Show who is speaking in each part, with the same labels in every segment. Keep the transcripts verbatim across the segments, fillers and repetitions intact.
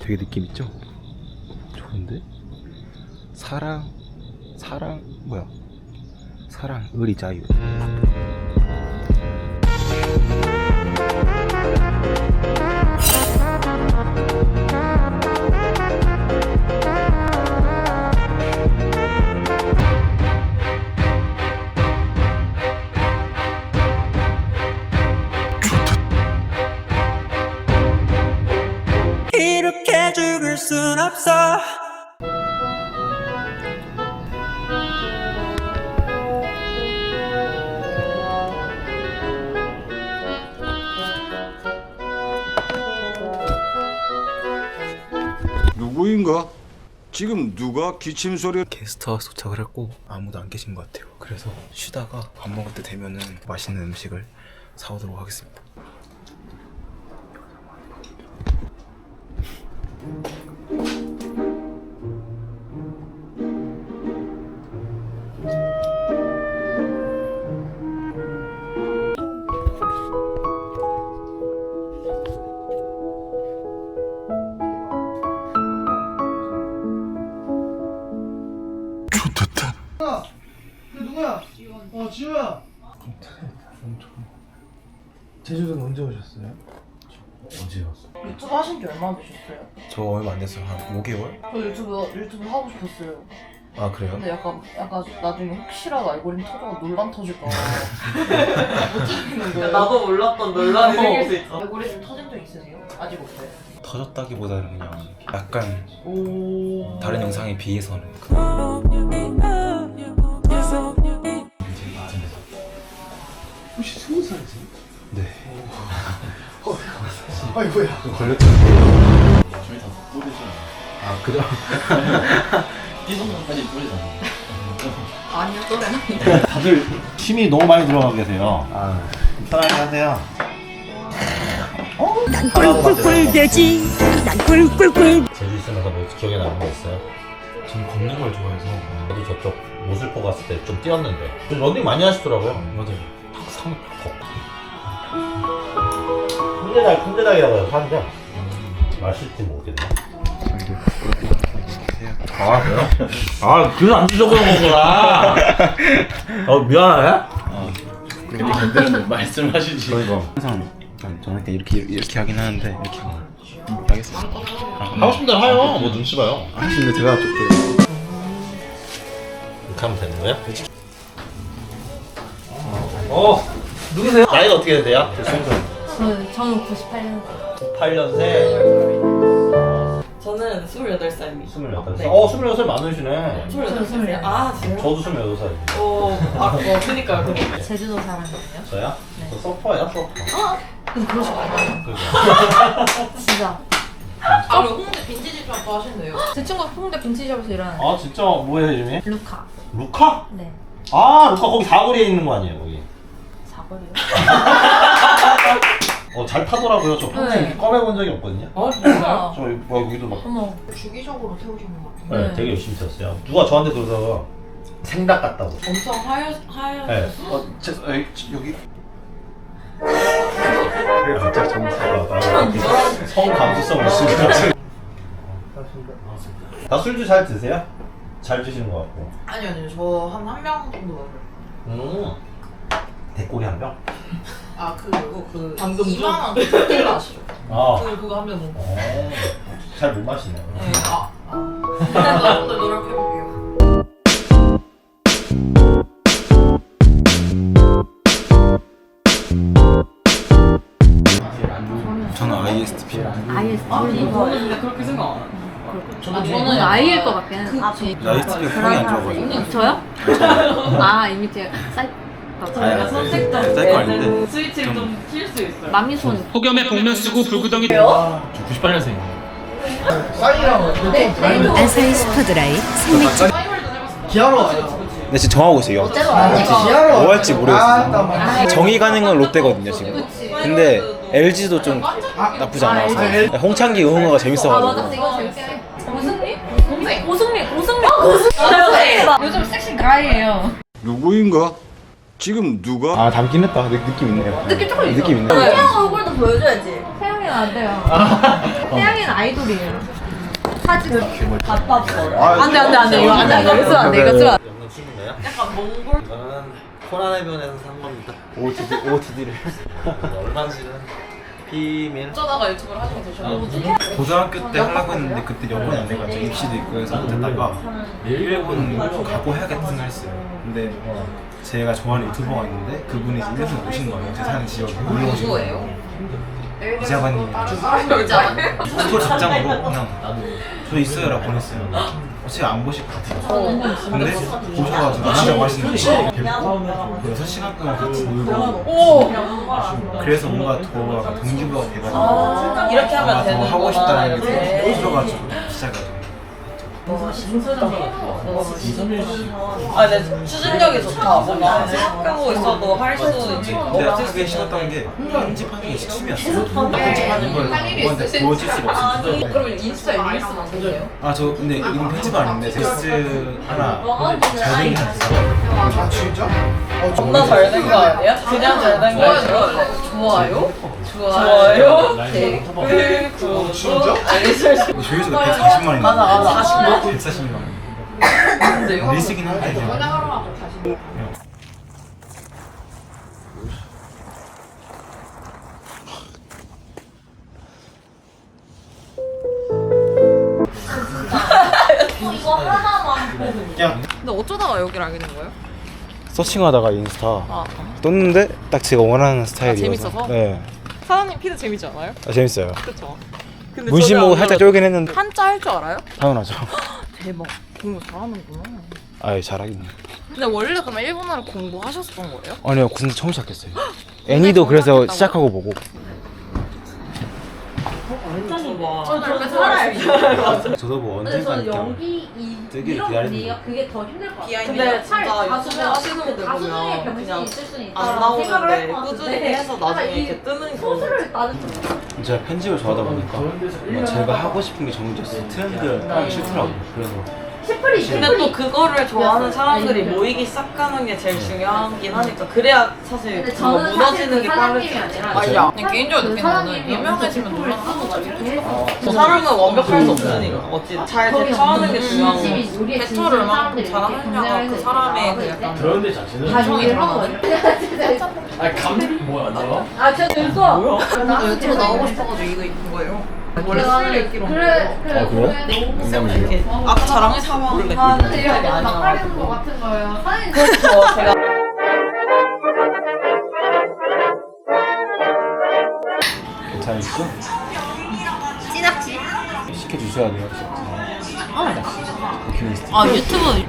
Speaker 1: 되게 느낌 있죠? 좋은데? 사랑 사랑 뭐야? 사랑 의리 자유.
Speaker 2: 이렇게 죽을 순 없어.
Speaker 3: 누구인가? 지금 누가 기침 소리?
Speaker 1: 게스트하우스 도착을 했고 아무도 안 계신 것 같아요. 그래서 쉬다가 밥 먹을 때 되면은 맛있는 음식을 사오도록 하겠습니다.
Speaker 3: 좋겠다.
Speaker 4: 누구야? 어, 지우야.
Speaker 1: 제주도는 언제 오셨어요?
Speaker 5: 언제 왔어?
Speaker 6: 유튜브 하신 지 얼마나 되셨어요?
Speaker 1: 저 얼마 안 됐어요. 한 오 개월?
Speaker 6: 저 유튜브 유튜브 하고 싶었어요.
Speaker 1: 아 그래요?
Speaker 6: 근데 약간 약간 나중에 혹시라도 알고리즘 터져서 논란 터질까 봐 못하겠는 거예요.
Speaker 7: 나도 몰랐던 논란이
Speaker 6: 어.
Speaker 7: 생길 수 있어.
Speaker 6: 알고리즘 터진 적 있으세요? 아직 없어요.
Speaker 1: 터졌다기보다는 그냥 약간
Speaker 6: 오.
Speaker 1: 다른 영상에 비해서는
Speaker 4: 혹시 스무 살이지?
Speaker 1: 네
Speaker 4: 아이고야.
Speaker 1: 걸렸잖아요.
Speaker 5: 저희 다 뿌리잖아.
Speaker 1: 아 그래?
Speaker 5: 띠동산까지 뿌리잖아.
Speaker 6: 아니요, 또래.
Speaker 5: 다들 힘이 너무 많이 들어가 계세요.
Speaker 1: 아
Speaker 5: 편하게 하세요.
Speaker 2: 난 꿀꿀꿀대지. 난 꿀꿀꿀.
Speaker 8: 제주 있으면서 뭐 기억에 남는 거 있어요?
Speaker 1: 저는 걷는 걸 좋아해서.
Speaker 8: 저도 저쪽 모슬포 갔을 때 좀 뛰었는데 런닝 많이 하시더라고요.
Speaker 1: 맞아요.
Speaker 8: 항상 걷고 큰대닭 큰대닭이라고 해서 하는데 맛있지 모르겠네. 아 그래요? 아 그래서 안 드셔보는 거구나. 어 미안해.
Speaker 5: 그렇게 건드리면 말씀하시지.
Speaker 8: 그러니까
Speaker 1: 항상 일단 저는 그냥 이렇게 이렇게 하긴 하는데 이렇게 음, 알겠습니다.
Speaker 8: 하고 싶은 대로 해요. 뭐 눈치 봐요.
Speaker 1: 아 근데 제가 조금
Speaker 8: 이렇게 하면 되는 거야? 어 누구세요? 나이가 어떻게 되세요?
Speaker 6: 저는 저는 구십팔 년생.
Speaker 8: 구십팔 년생.
Speaker 7: 저는 스물여덟 살입니다.
Speaker 8: 스물여덟 살.
Speaker 7: 네.
Speaker 8: 어 스물여덟 살 많으시네.
Speaker 7: 스물여덟 살이요? 아, 진짜요?
Speaker 8: 저도 스물여덟 살이에요.
Speaker 7: 어, 아, 어, 그니까요, 그니까요.
Speaker 6: 제주도 사람이에요?
Speaker 8: 저요? 저 서퍼예요, 서퍼.
Speaker 6: 근데 그러시고
Speaker 8: 그거.
Speaker 6: 진짜.
Speaker 7: 아, 그리고 홍대 빈티지 샵도 하신대요.
Speaker 6: 제 친구가 홍대 빈티지샵에서 일하는
Speaker 8: 아 진짜 뭐예요 이름이?
Speaker 6: 루카.
Speaker 8: 루카?
Speaker 6: 네.
Speaker 8: 아 루카 거기 사거리에 있는 거 아니에요 거기?
Speaker 6: 사거리요?
Speaker 8: 어 잘 타더라고요. 저 평생
Speaker 6: 네.
Speaker 8: 이렇게 꺼내본 적이 없거든요.
Speaker 7: 아, 진짜요?
Speaker 8: 저 뭐 여기도 막
Speaker 6: 어머.
Speaker 7: 주기적으로 태우시는 것 같아요.
Speaker 8: 네,
Speaker 6: 네.
Speaker 8: 되게 열심히 탔어요. 누가 저한테 그러다가 생닭 같다고.
Speaker 7: 엄청 하얘, 하얘.
Speaker 8: 네.
Speaker 1: 어, 제, 에이, 여기
Speaker 8: 진짜 정수가 성 감수성을 쓰고. 다 술도 잘 드세요? 잘 드시는 것 같고.
Speaker 7: 아니요, 아니요. 저 한 한 명 정도 먹어요.
Speaker 8: 음. 대꼬리 한 병?
Speaker 7: 아, 그리고 그 방금 이만 원 칵테일 아시죠?
Speaker 8: 아.
Speaker 7: 그, 그거 한 병 먹고.
Speaker 8: 어. 잘 못 마시네요.
Speaker 7: 네, 아. 아. 오늘 노력해볼게요.
Speaker 1: 저는 아이에스티피.
Speaker 6: 아이에스티.
Speaker 7: 아니, 저는 근데 그렇게 생각 안 해요.
Speaker 6: 저는 저는 아이일 것 같긴 해.
Speaker 1: 아이에스티피가 평이 안 좋아가지고.
Speaker 6: 저요? 아 이미 제가 사이.
Speaker 7: 저희가 선택적
Speaker 1: 쌀거 아닌데.
Speaker 7: 스위치를 좀 킬 수 있어요.
Speaker 6: 마미손.
Speaker 4: 폭염에 복면 쓰고 불구덩이.
Speaker 5: 저 구십팔 년생.
Speaker 4: 싸이랑
Speaker 2: 아사히 스퍼드라이 생맥주.
Speaker 4: 기아로 와요.
Speaker 1: 근데 지금 정하고 있어요.
Speaker 4: 기아로
Speaker 1: 뭐 할지 모르겠어요.
Speaker 4: 아, 나
Speaker 1: 정이 가는 건 롯데거든요 지금. 근데 엘지도 좀 나쁘지 않아서. 홍창기 응원가가 재밌어가지고.
Speaker 6: 이거 재밌게. 오승리? 오승리? 오승리? 오승리? 오승리? 요즘 섹시 가이예요.
Speaker 3: 누구인가? 지금 누가?
Speaker 1: 아 닮긴 했다. 느, 느낌 있네요.
Speaker 6: 느낌 조금 있어.
Speaker 1: 느낌 있네.
Speaker 6: 태양 얼굴도 보여줘야지. 태양이 안 돼요. 태양이는 아이돌이에요. 사진 갖다 버려.
Speaker 3: 아,
Speaker 6: 안돼 안돼 안돼 이거 안돼 이거 쓰면 안돼 이거 쓰면 안돼.
Speaker 8: 영상 친구인가요?
Speaker 7: 약간 몽골
Speaker 8: 이거는 코란해변에서 산 겁니다.
Speaker 1: 오오티디 오오티디를
Speaker 8: 얼마인지는 비밀.
Speaker 7: 어쩌다가 유튜브를 하시게 되셨나요?
Speaker 1: 고등학교 때 하려고 했는데 그때 여건이 안 돼가지고 입시도 있고 해서 못했다가 일본 가고 해야겠다 생각했어요. 근데 제가 좋아하는 유튜버가 있는데 그분이 이제 일본에 오신 거예요. 제 사는 지역에 놀러 오신 거예요. 이자관님이 스토리 작장으로 그냥 저 있어요 라고 보냈어요. 어차피 안 보실 것 같아요. 근데 보셔가지고 안 한다고 하시는데 여섯 시간 동안 같이 놀고 그래서 뭔가 더 약간 동기부여가 돼가지고
Speaker 7: 이렇게 하면
Speaker 1: 아마 더
Speaker 7: 되는
Speaker 1: 하고 싶다는
Speaker 7: 거구나.
Speaker 1: 게 들어가지고 시작해가지고
Speaker 7: 아, 근데 추진력이 좋다. 뭔가 생각하고 있어도 할 수 있지.
Speaker 1: 근데 하기 싫었던 게 편집하는 게 춤이었어요. 편집하는 걸 누구한테 보여줄 수가 없어요.
Speaker 7: 그러면 인스타에 릴스 만드세요?
Speaker 1: 아 저 근데 이건 편집은 아닌데 텍스트 하나 잘 되긴 했어요.
Speaker 4: 아 진짜? 어,
Speaker 7: 존나 잘 된 거 아니야? 그냥 잘 된 거 아니야? 좋아요? 좋아요? 댓글, 구독, 알림
Speaker 1: 조회수가 백사십만 원이에요.
Speaker 7: 맞아, 맞아. 사십만 원?
Speaker 1: 백사십만 원. 릴스긴 한데 그냥.
Speaker 6: 이거 하나만 보고.
Speaker 1: 그냥
Speaker 7: 근데 어쩌다가 여기를 알게 된 거예요?
Speaker 1: 서칭하다가 인스타
Speaker 7: 아,
Speaker 1: 떴는데 딱 제가 원하는 스타일이어서.
Speaker 7: 재밌어서?
Speaker 1: 네.
Speaker 7: 사장님 피드 재밌지 않아요?
Speaker 1: 아, 재밌어요.
Speaker 7: 그쵸? 근데
Speaker 1: 문신
Speaker 7: 저는
Speaker 1: 보고
Speaker 7: 안
Speaker 1: 살짝
Speaker 7: 들어가지고.
Speaker 1: 쫄긴 했는데
Speaker 7: 한자 할 줄 알아요?
Speaker 1: 당연하죠.
Speaker 7: 대박. 공부 잘하는구나.
Speaker 1: 아예 잘하긴 해요.
Speaker 7: 근데 원래 그러면 일본어를 공부하셨던 거예요?
Speaker 1: 아니요 군대 처음 시작했어요. 애니도 그래서
Speaker 7: 시작했다고?
Speaker 1: 시작하고 보고.
Speaker 6: 저도 살아요.
Speaker 1: 저도 뭐
Speaker 6: 근데
Speaker 1: 언젠가
Speaker 6: 저는 연기 이
Speaker 1: 되게
Speaker 6: 이런
Speaker 1: 기다리는
Speaker 6: 분위기가 그게 더 힘들 것 같아요.
Speaker 7: 비하인드가
Speaker 6: 근데
Speaker 7: 진짜
Speaker 6: 차라리
Speaker 7: 유튜브
Speaker 6: 가수면
Speaker 7: 하시는
Speaker 6: 그
Speaker 7: 분들
Speaker 6: 가수 중에
Speaker 7: 보면
Speaker 6: 병신이
Speaker 7: 그냥
Speaker 6: 있을 수는
Speaker 7: 안
Speaker 6: 있다라고 생각을
Speaker 7: 나오는데
Speaker 6: 할것
Speaker 7: 꾸준히
Speaker 6: 같은데
Speaker 7: 해서 나중에
Speaker 6: 약간 이
Speaker 7: 이렇게 뜨는 거.
Speaker 6: 소스를 나는
Speaker 1: 제가 편집을 좋아하다 보니까 뭐 제가 하고 싶은 게 정해졌어요. 트렌드를 따르기 싫더라고요. 그래서
Speaker 6: 시프리
Speaker 7: 근데 또 그거를 좋아하는 사람들이 모이기 시작하는 게 제일 중요하긴 하니까 그래야 사실
Speaker 6: 근데
Speaker 7: 그거
Speaker 6: 저는
Speaker 7: 무너지는 게
Speaker 6: 사실 그
Speaker 7: 빠르지.
Speaker 6: 사장님이 아니라
Speaker 7: 맞아. 그냥 개인적으로 느끼는 거는 유명해지면 놀라운 거지. 그 사람은 완벽할 수 없으니까 어찌 잘 대처하는 게 중요한 거고 대처를 얼마큼 잘하느냐가 그 사람의 그 약간
Speaker 5: 그런 데 자체는
Speaker 6: 다 요리를 하거든요.
Speaker 5: 아니 감 뭐야 안 나와?
Speaker 6: 아, 저 됐어. 뭐야?
Speaker 7: 나 유튜브 나오고 싶어가지고 이거 입은 거예요. 원래 술 읽기로 온
Speaker 6: 그래,
Speaker 7: 거예요.
Speaker 6: 그래.
Speaker 1: 아, 그래요?
Speaker 6: 그래.
Speaker 7: 이렇게 아까 자랑의 사망을
Speaker 6: 아, 근데
Speaker 7: 느끼고
Speaker 6: 이거
Speaker 7: 많이
Speaker 6: 막
Speaker 7: 나와가지고.
Speaker 6: 깔리는 거 같은 거예요. 사진
Speaker 7: 그래서 제가
Speaker 1: 괜찮으시죠?
Speaker 6: 찌낚시.
Speaker 1: 시켜주셔야 돼요. 버킷리스트.
Speaker 7: 아 유튜브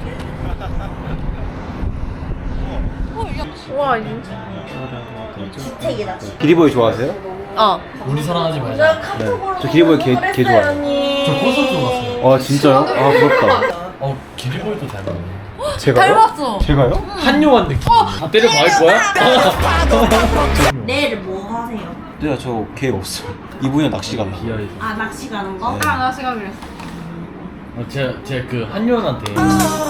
Speaker 1: 기리보이 좋아하세요?
Speaker 7: 어
Speaker 5: 우리 사랑하지 말자.
Speaker 1: 네. 저 기리보이 개, 개 좋아해요.
Speaker 5: 저 콘서트 갔어요.
Speaker 1: 아 진짜요? 아 부럽다.
Speaker 5: 어 기리보이도 닮았네.
Speaker 1: 제가요?
Speaker 7: 닮았어.
Speaker 1: 제가요?
Speaker 5: 한요한 느낌. 다 때려 박을 거야?
Speaker 9: 내일 뭐 하세요?
Speaker 1: 네, 저 계획 없어요. 이분이 낚시 가요.
Speaker 5: 비하이.
Speaker 9: 아 낚시 가는 거?
Speaker 1: 네.
Speaker 6: 아, 나 시간 그랬어.
Speaker 5: 어, 제가 제가 그 한요한한테 그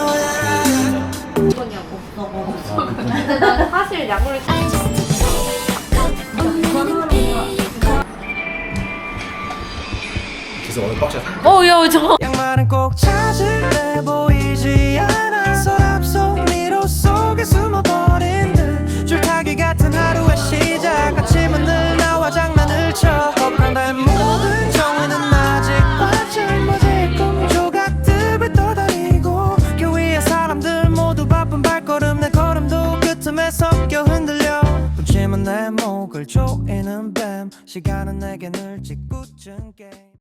Speaker 9: 이거냐고 없어.
Speaker 5: 아, 그분
Speaker 6: 근데 난 사실 약물을
Speaker 1: 그래서 오늘 빡쳐.
Speaker 7: 어야 저
Speaker 2: 양말은 꼭 찾을래 보이지 않아 서랍 속 미로 속에 숨어버린 듯 줄타기 같은 하루의 시작 아침은 늘 나와 장난을 쳐 허강된 모든 정의는 아직 바짝 꿈 조각들을 떠다니고 그 위에 사람들 모두 바쁜 발걸음 내 걸음도 그 틈에 섞여 흔들려 분침은 내 목을 조이는 뱀 시간은 내게 늘 짓궂은 게임